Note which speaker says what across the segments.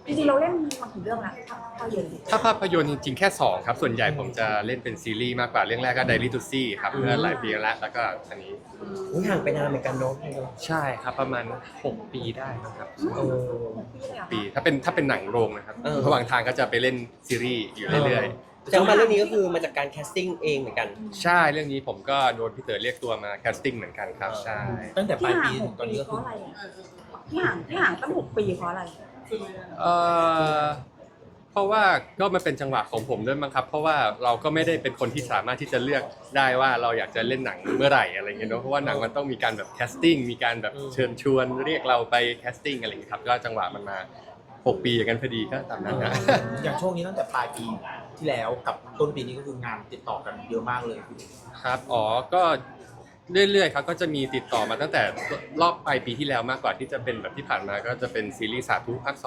Speaker 1: จริงๆเราเล่นมาถึงเรื่องแล้วภาพยนตร์
Speaker 2: ถ้าภาพยนตร์จริงๆแค่2ครับส่วนใหญ่ผมจะเล่นเป็นซีรีส์มากกว่าเรื่องแรกก็ Diary to See ครับเมื่อหลายปีแล้วก็อันนี้
Speaker 3: ห่างไปนานเหมือนกันเนาะ
Speaker 2: ใช่ครับประมาณ6ปีได้ครับ
Speaker 3: เออ
Speaker 2: ปีถ้าเป็นหนังโรงนะครับระหว่างทางก็จะไปเล่นซีรีส์อยู่เรื่อย
Speaker 3: ๆแต่มาเรื่องนี้ก็คือมาจากการแคสติ้งเองเหมือนกัน
Speaker 2: ๆใช่เรื่องนี้ผมก็โดนพี่เต๋อเรียกตัวมาแคสติ้งเหมือนกันครับใช่
Speaker 4: ตั้งแต่ปลายปี
Speaker 1: ที่
Speaker 4: ถึงตอนนี้ก็
Speaker 1: เพ
Speaker 4: คือ
Speaker 1: ราะอะไรที่ห่างตั้ง6 ปีเพราะอะไร
Speaker 2: เอ่อเพราะว่าก็มันเป็นจังหวะของผมด้วยมั้งครับเพราะว่าเราก็ไม่ได้เป็นคนที่สามารถที่จะเลือกได้ว่าเราอยากจะเล่นหนังเมื่อไหร่อะไรเงี้ยเนาะเพราะว่าหนังมันต้องมีการแบบแคสติ้งมีการแบบเชิญชวนเรียกเราไปแคสติ้งอะไรเงี้ยครับก็จังหวะมันมา6 ปีอย่างนั้นพอดีก็ตามนั้นนะ
Speaker 4: อย่างช่วงนี้ตั้งแต่ปลายปีที่แล้วกับต้นปีนี้ก็คืองานติดต่อกันเยอะมากเลย
Speaker 2: ครับอ๋อก็เรื่อยๆครับก็จะมีติดต่อมาตั้งแต่รอบปลายปีที่แล้วมากกว่าที่จะเป็นแบบที่ผ่านมาก็จะเป็นซีรีส์สาธุภาค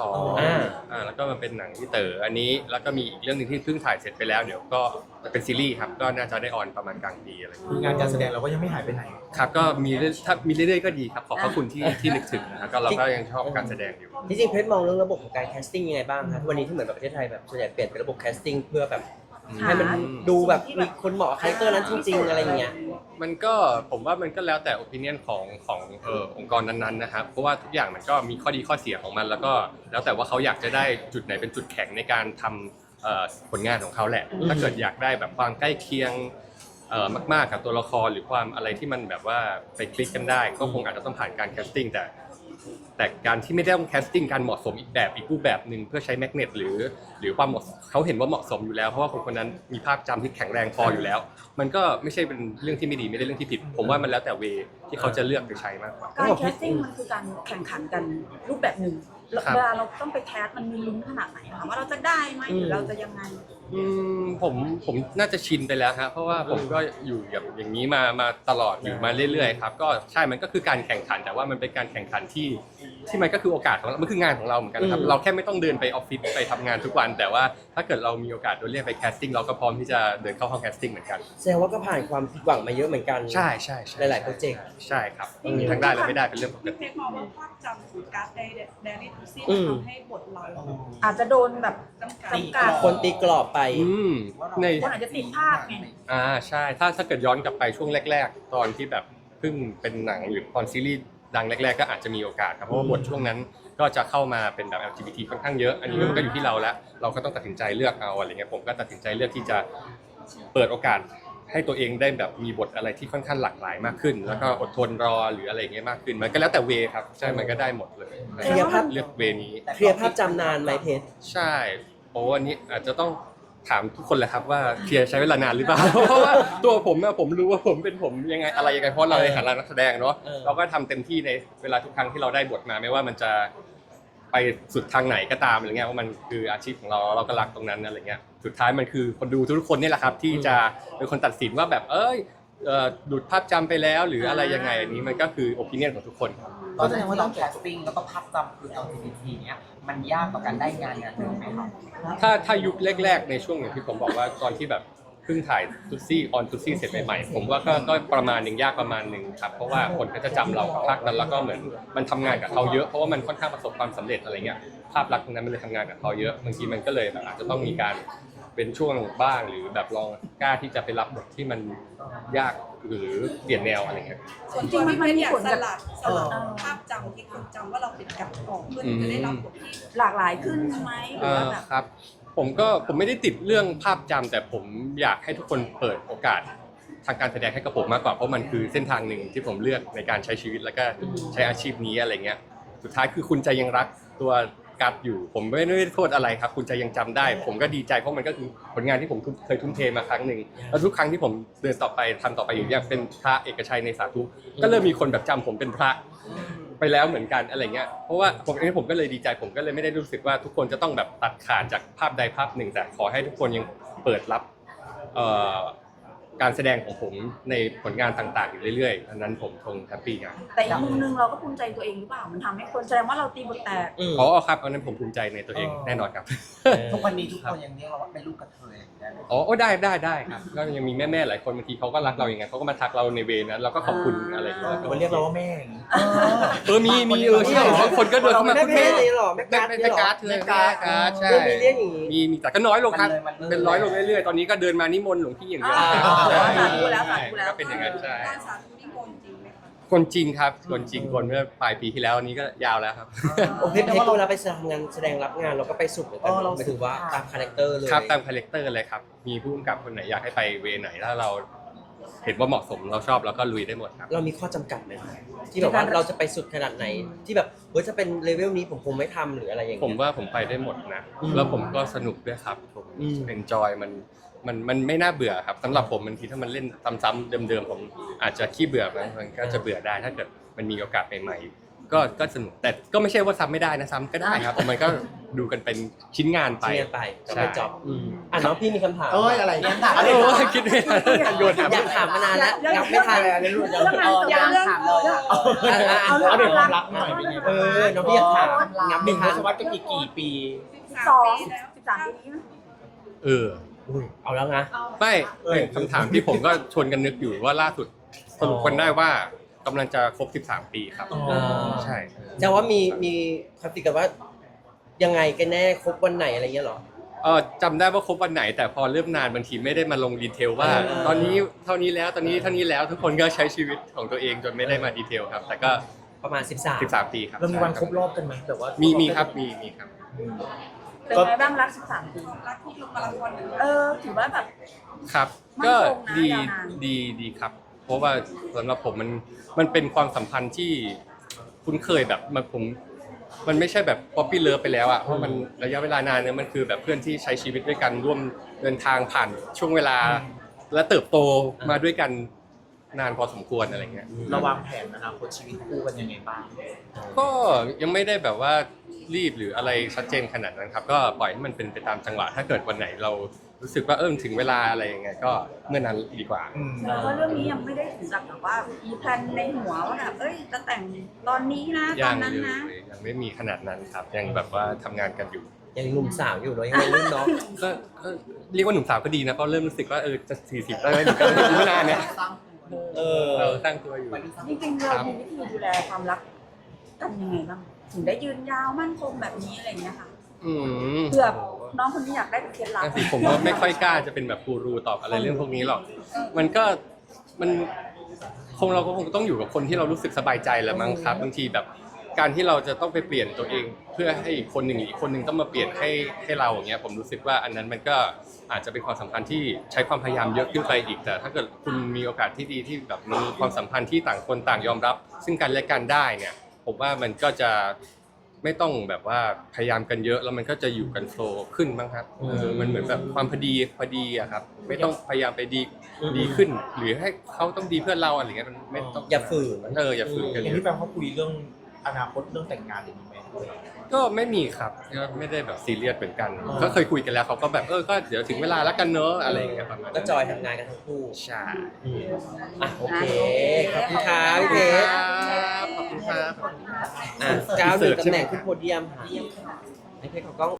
Speaker 2: 2แล้วก็มาเป็นหนังที่เต๋ออันนี้แล้วก็มีอีกเรื่องนึงที่เพิ่งถ่ายเสร็จไปแล้วเดี๋ยวก็จะเป็นซีรีส์ครับก็น่าจะได้ออนประมาณกลางปีอะไร
Speaker 4: งานการแสดงเราก็ยังไม่หายไปไหน
Speaker 2: ครับก็มีถ้ามีเรื่อยๆก็ดีครับขอบพระคุณที่นึกถึงนะครับก็เราก็ยังชอบการแสดงอยู่
Speaker 3: ที่จริงเพชรมองเรื่องระบบของการแคสติ้งยังไงบ้างคะทุกวันนี้ที่เหมือนแบบประเทศไทยแบบส่วนใหญ่เปลี่ยนเป็นระบบแคสติ้งเพื่อแบบให้มันดูแบบมีคนเหมาะคาแรคเตอร์นั้นจริงๆอะไรอย่างเงี้ย
Speaker 2: มันก็ผมว่ามันก็แล้วแต่ opinion ขององค์กรนั้นๆนะครับเพราะว่าทุกอย่างมันก็มีข้อดีข้อเสียของมันแล้วก็แล้วแต่ว่าเขาอยากจะได้จุดไหนเป็นจุดแข็งในการทำผลงานของเขาแหละถ้าเกิดอยากได้แบบความใกล้เคียงมากๆกับตัวละครหรือความอะไรที่มันแบบว่าไปคลิกกันได้ก็คงอาจจะต้องผ่านการแคสติ้งแต่การที่ไม่ได้ต้องแคสติ้งการเหมาะสมอีกรูปแบบหนึ่งเพื่อใช้แมกเนตหรือความเหมาะเขาเห็นว่าเหมาะสมอยู่แล้วเพราะว่าคนนั้นมีภาพจำที่แข็งแรงพออยู่แล้วมันก็ไม่ใช่เป็นเรื่องที่ไม่ดีไม่ได้เรื่องที่ผิดผมว่ามันแล้วแต่เวที่เขาจะเลือกไปใช้มากกว่า
Speaker 1: การแคสติ้งมันคือการแข่งขันกันรูปแบบหนึ่งเวลาเราต้องไปแคสมันมีลุ้นขนาดไหนคะว่าเราจะได้ไหมหรือเราจะยังไง
Speaker 2: ผมน่าจะชินไปแล้วฮะเพราะว่าผมก็อยู่อย่างนี้มาตลอดอยู่มาเรื่อยๆครับก็ใช่มันก็คือการแข่งขันแต่ว่ามันเป็นการแข่งขันที่มันก็คือโอกาสของเรามันคืองานของเราเหมือนกันครับเราแค่ไม่ต้องเดินไปออฟฟิศไปทำงานทุกวันแต่ว่าถ้าเกิดเรามีโอกาสโดนเรียกไปแคสติ้งเราก็พร้อมที่จะเดินเข้าห้องแคสติ้งเหมือนกัน
Speaker 3: แสดงว่าก็ผ่านความผิดหวังมาเยอะเหมือนกัน
Speaker 2: ใช่
Speaker 3: หลายๆโปรเจกต์
Speaker 2: ใช่ครับมีทั้งได้และไม่ได้เป็นเรื่องปกติ
Speaker 5: เพชรมองว่าภาพจำของการ์ดไดรี่ทูซี่ทำให้บทเรา
Speaker 1: อาจจะโดนแบบจำกัด
Speaker 3: คนตีกรอบไป
Speaker 1: คนอาจจะติดภาพไง
Speaker 2: ใช่ถ้าเกิดย้อนกลับไปช่วงแรกๆตอนที่แบบเพิ่งเป็นหนังหรือตอนซีรีส์ดังแรกๆก็อาจจะมีโอกาสครับเพราะว่าบทช่วงนั้นก็จะเข้ามาเป็นแบบ LGBT ค่อนข้างเยอะอันนี้มันก็อยู่ที่เราแล้วเราก็ต้องตัดสินใจเลือกเอาอะไรเงี้ยผมก็ตัดสินใจเลือกที่จะเปิดโอกาสให้ตัวเองได้แบบมีบทอะไรที่ค่อนข้างหลากหลายมากขึ้นแล้วก็อดทนรอหรืออะไรเงี้ยมากขึ้นมันก็แล้วแต่เวครับใช่มันก็ได้หมดเลย
Speaker 3: เคลียร์ภาพ
Speaker 2: เลือกเวนี้
Speaker 3: เคลียร์ภาพจำนานไหมเพชร
Speaker 2: ใช่โอ้วันนี้อาจจะต้องถามทุกคนเลยครับว่าเคลียร์ใช้เวลานานหรือเปล่าเพราะว่าตัวผมรู้ว่าผมเป็นผมยังไงอะไรยังไงเพราะเราในฐานะนักแสดงเนาะเราก็ทำเต็มที่ในเวลาทุกครั้งที่เราได้บทมาไม่ว่ามันจะไปสุดทางไหนก็ตามอะไรเงี้ยว่ามันคืออาชีพของเราก็รักตรงนั้นอะไรเงี้ยสุดท้ายมันคือคนดูทุกคนนี่แหละครับที่จะเป็นคนตัดสินว่าแบบดูดภาพจำไปแล้วหรืออะไรยังไงอันนี้มันก็คือโอปิเนียนของทุกคน
Speaker 6: ก็แสดงว่าต้องแคสติ้งแล้วก็ภาพจำคือ LGBT เนี้ยมันยากต่อการได้งานหนึ่งไหมครับ
Speaker 2: ถ้ายุคแรกๆในช่วงอย่างที่ผมบอกว่าตอนที่แบบเพิ่งถ่ายตุ๊ซี่ออนตุ๊ซี่เสร็จใหม่ๆผมว่าก็ประมาณหนึ่งยากประมาณหนึ่งครับเพราะว่าคนก็จะจำเราภาคนั้นแล้วก็เหมือนมันทำงานกับเขาเยอะเพราะว่ามันค่อนข้างประสบความสำเร็จอะไรเงี้ยภาพลักษณ์ตรงนั้นมันเลยทำงานกับเขาเยอะบางทีมันก็เลยแบบอาจจะต้องมีการเป็นช่วงบ้างหรือแบบลองกล้าที่จะไปรับบทที่มันยากหรือเปลี่ยนแนวอะไรเงี้ย
Speaker 5: ส่วนตัวพี่เพชรอยากสลัดภาพจำที่คนจำว่าเราเป็นกับออกเพื่อที่จะได้รับบทที่
Speaker 1: หลากหลายขึ้นไหมหรือว่าแบบ
Speaker 2: ครับผมไม่ได้ติดเรื่องภาพจำแต่ผมอยากให้ทุกคนเปิดโอกาสทางการแสดงให้กับผมมากกว่าเพราะมันคือเส้นทางหนึ่งที่ผมเลือกในการใช้ชีวิตแล้วก็ใช้อาชีพนี้อะไรเงี้ยสุดท้ายคือคุณจะยังรักตัวกัดอยู่ผมไม่ได้โทษอะไรครับคุณจะยังจำได้ผมก็ดีใจเพราะมันก็คือผลงานที่ผมเคยทุ่มเทมาครั้งหนึ่งแล้วทุกครั้งที่ผมเดินต่อไปทำต่อไปอยู่อย่างเป็นพระเอกชัยในสาธุก็เริ่มมีคนแบบจำผมเป็นพระไปแล้วเหมือนกันอะไรเงี้ยเพราะว่าผมก็เลยดีใจผมก็เลยไม่ได้รู้สึกว่าทุกคนจะต้องแบบตัดขาดจากภาพใดภาพหนึ่งแต่ขอให้ทุกคนยังเปิดรับการแสดงของผมในผลงานต่างๆอยู่เรื่อยๆอันนั้นผมคงแฮปปี้ครับ
Speaker 1: แต่อีกมุมนึงเราก็ภูมิใจตัวเองหรือเปล่ามันทำให้คนแสดงว่าเราตีบทแตก
Speaker 2: อ๋อครับอันนั้นผมภูมิใจในตัวเองแน่นอนครับ
Speaker 6: ทุกวันนี้ทุกคนยังเรียกเราว่าเป็นลูกกระเทยได้ไหม
Speaker 2: อ๋อได้ครับก็ยังมีแม่ๆหลายคนบางทีเขาก็รักเราอย่างไงเขาก็มาทักเราในเวรนั้นเราก็ขอบคุณอะไรอย่างเงี้ย
Speaker 4: หรือว่าเรียกเราว่าแม่อย่างนี้
Speaker 2: มีใช่บางคนก็เดินเข้ามา
Speaker 3: แม่
Speaker 2: คุณ
Speaker 3: แม่
Speaker 2: แม่
Speaker 3: เลยเหรอแม่การ์ด
Speaker 2: แม่
Speaker 3: เนี่ยเหรอ
Speaker 2: การ์ดเลยแม่การ์ดใช่
Speaker 3: เรื่องมีเรื่องอย่างงี้
Speaker 2: มีแต่ก็น้อยลงครับ
Speaker 6: มันเลย
Speaker 2: เป็นร้อยลงเรื่อยๆตอนนี้ก็เดินมานิมนต์หลวงพี่อย่างเดียว
Speaker 1: อ๋อ
Speaker 2: ใช่
Speaker 1: สาธุแล้วสาธุแล้ว
Speaker 2: ก็เป็นอย่างนั้นใช่
Speaker 5: การสาธุนิมนต์จริงไหมคะ
Speaker 2: คนจริงครับคนจริงคนเมื่อปลายปีที่แล้วอันนี้ก็ยาวแล้วครับ
Speaker 3: โอเคเวลาไปทำงานแสดงรับงานเราก็ไปสุดเหมือนกันหมายถึงว่าตามคาแรคเตอร์เลย
Speaker 2: ครับตามคาแรคเตอร์เลยครับมีผู้กำกับคนไหนอยากให้ไปเวไหนถ้าเราเห็นว่าเหมาะสมเราชอบเราก็ลุยได้หมดครับ
Speaker 3: เรามีข้อจำกัดไหมที่แบบว่าเราจะไปสุดขนาดไหนที่แบบจะเป็นเลเวลนี้ผมคงไม่ทำหรืออะไรอย่าง
Speaker 2: ผม
Speaker 3: เงี้ย
Speaker 2: ว่าผมไปได้หมดนะ
Speaker 3: อืม
Speaker 2: แล้วผมก็สนุกด้วยครับผม
Speaker 3: อืม
Speaker 2: enjoy มันไม่น่าเบื่อครับสำหรับผมบางทีถ้ามันเล่นซ้ำๆเดิมๆผมอาจจะขี้เบื่อมันก็จะเบื่อได้ถ้าเกิดมันมีโอกาสใหม่ๆก็สนุกแต่ก็ไม่ใช่ว่าซ้ำไม่ได้นะซ้ำก็ได้ครับแต่มันก็ดูกันเป็นชิ้นงานไป
Speaker 3: เรียนไปก็
Speaker 2: ใช่
Speaker 3: ไปจ็อบน้องพี่มีคำถาม
Speaker 4: เอ้ยอะไรเนี่ย
Speaker 2: โอ้ยคิดไม่ทันโยนถาม
Speaker 3: อยากถามมานานแล้วงับไม่ทัน
Speaker 4: อะไรรุ่น
Speaker 1: เรื่องงานจบ
Speaker 6: อยาก
Speaker 1: เรื่อง
Speaker 6: ถามเลยอะ
Speaker 4: เอาเรื่องความรักหน่อยเป็นไงบ้าง
Speaker 3: น้องพี่อยากถามงับ
Speaker 4: ห
Speaker 3: ไม่
Speaker 4: นึ่งท
Speaker 3: ทัน
Speaker 4: ศวรรษกับอีกกี่ปี
Speaker 1: 13 ปีนี้มั้ย
Speaker 2: เออ
Speaker 3: เอาแล้วนะ
Speaker 2: ไม่คำถามที่ผมก็ชวนกันนึกอยู่ว่าล่าสุดสรุปกันได้ว่ากำลังจะครบ 13 ปีครับ
Speaker 4: อ๋อ
Speaker 2: ใช่
Speaker 3: แต่ว่ามีคำติกันว่ายังไงกันแน่ครบวันไหนอะไรเงี้ยหรอ
Speaker 2: จำได้ว่าครบวันไหนแต่พอเริ่มนานบางทีไม่ได้มาลงดีเทลว่า ตอนนี้เท่านี้แล้วตอนนี้เท่านี้แล้วทุกคนก็ใช้ชีวิตของตัวเองจนไม่ได้มาดีเทลครับ แต่ก็
Speaker 3: ประมาณ13
Speaker 2: 13 ปีครับ
Speaker 4: เรามีวันครบรอบกันไหมแต่ว่า
Speaker 2: มีครับมีครับ
Speaker 1: เป็นไงบ้างรัก13 ปี
Speaker 5: รักที่ลงมาราธอนหรือ
Speaker 1: ถือว่าแบบ
Speaker 2: ครับ
Speaker 1: มั่น
Speaker 2: ก็
Speaker 1: คงนะ
Speaker 2: ดี
Speaker 1: ยาวนาน
Speaker 2: ดีครับ เพราะว่าสำหรับผมมันเป็นความสัมพันธ์ที่คุ้นเคยแบบมันไม่ใช่แบบ ป๊อปปี้เลิฟไปแล้วอ่ะเพราะมันระยะเวลานานเนี่ยมันคือแบบเพื่อนที่ใช้ชีวิตด้วยกันร่วมเดินทางผ่านช่วงเวลา และเติบโตมาด้วยกันนานพอสมควรอะไรเงี้ย
Speaker 4: เราวางแผนอนาคตชีวิตคู่กันยังไงบ้าง
Speaker 2: ก็ยังไม่ได้แบบว่ารีบหรืออะไรชัดเจนขนาดนั้นครับ ก็ปล่อยให้มันเป็นไปตามจังหวะถ้าเกิดวันไหนเรารู้สึกว่าถึงเวลาอะไรยังไงก็เมื่อนั้นดีกว่า
Speaker 1: เพราะว่าเรื่องนี้ยังไม่ได้ถึงกับแบบว่ามีแพลนในหัวว่าแบบจะแต่งตอนนี้นะต
Speaker 2: ยั
Speaker 1: อน
Speaker 2: ง
Speaker 1: นั้น
Speaker 2: เลย
Speaker 1: นะ
Speaker 2: ยังไม่มีขนาดนั้นครับยังแบบว่าทำงานกันอยู่
Speaker 3: ยังหนุ่มสาวอยู่เนาะยังวัยรุ่นเนาะ
Speaker 2: ก็เรียกว่าหนุ่มสาวก็ดีนะเพราะเริ่มรู้สึกว่าจะ40แล้วเหมือนกันอีกไม่นานเนี่ย เราตั้งตัวอยู่
Speaker 1: จริงๆเรามีวิธีดูแลความรักกันยังไงบ้างถึงได้ยืนยาวมั่นคงแบบนี้อะไรอย่างเงี้ยค่ะ เผื่อน้องคนนี้อยากได้เป็นเคล็ดลับ
Speaker 2: นั่นสิผมก็ไม่ค่อยกล้าจะเป็นแบบกูรูตอบอะไรเรื่องพวกนี้หรอกมันก็เราก็คงต้องอยู่กับคนที่เรารู้สึกสบายใจแหละมั้งครับบางทีแบบการที่เราจะต้องไปเปลี่ยนตัวเอง เพื่อให้อีกคนหนึ่งอีกคนหนึ่งต้องมาเปลี่ยนให้เราอย่างเงี้ยผมรู้สึกว่าอันนั้นมันก็อาจจะเป็นความสัมพันธ์ที่ใช้ความพยายามเยอะขึ้นไปอีกแต่ถ้าเกิดคุณมีโอกาสที่ดีที่แบบมีความสัมพันธ์ที่ต่างคนต่างยอมรับ ซึ่งกันและกันได้เนี่ยผมว่ามันก็จะไม่ต้องแบบว่าพยายามกันเยอะแล้วมันก็จะอยู่กันโฟลว์ขึ้นบ้างครับมันเหมือนแบบความพอดีอะครับไม่ต้องพยายามไปดีขึ้น หรือให้เขาต้องดีเพื่อเราอะไรเงี้ยมันไม่ต้อง
Speaker 3: อย่าฝืน
Speaker 2: อย่าฝืนกัน
Speaker 4: อ
Speaker 2: เล
Speaker 4: ย่าง
Speaker 2: ย
Speaker 4: ที่แปลเขาคุยเรื่องอนาคตเรื่องแต่งงานอย่างนี้ไหม
Speaker 2: ก็ไม่มีครับก็ไม่ได้แบบซีเรียสเหมือนกันก็เคยคุยกันแล้วเขาก็แบบก็เดี๋ยวถึงเวลาแล้วกันเนอะอะไรอย่างเงี้ยประมาณนั้น
Speaker 3: ก็จอยทำงานกันทั้งคู่
Speaker 2: ใช่
Speaker 3: โอเคขอบคุณครับพี่เพชร
Speaker 2: ขอบคุณครับ
Speaker 3: ก้าวหนึ่งตำแหน่งขึ้นโพเดียมค่ะให้เพชรเขากล้อง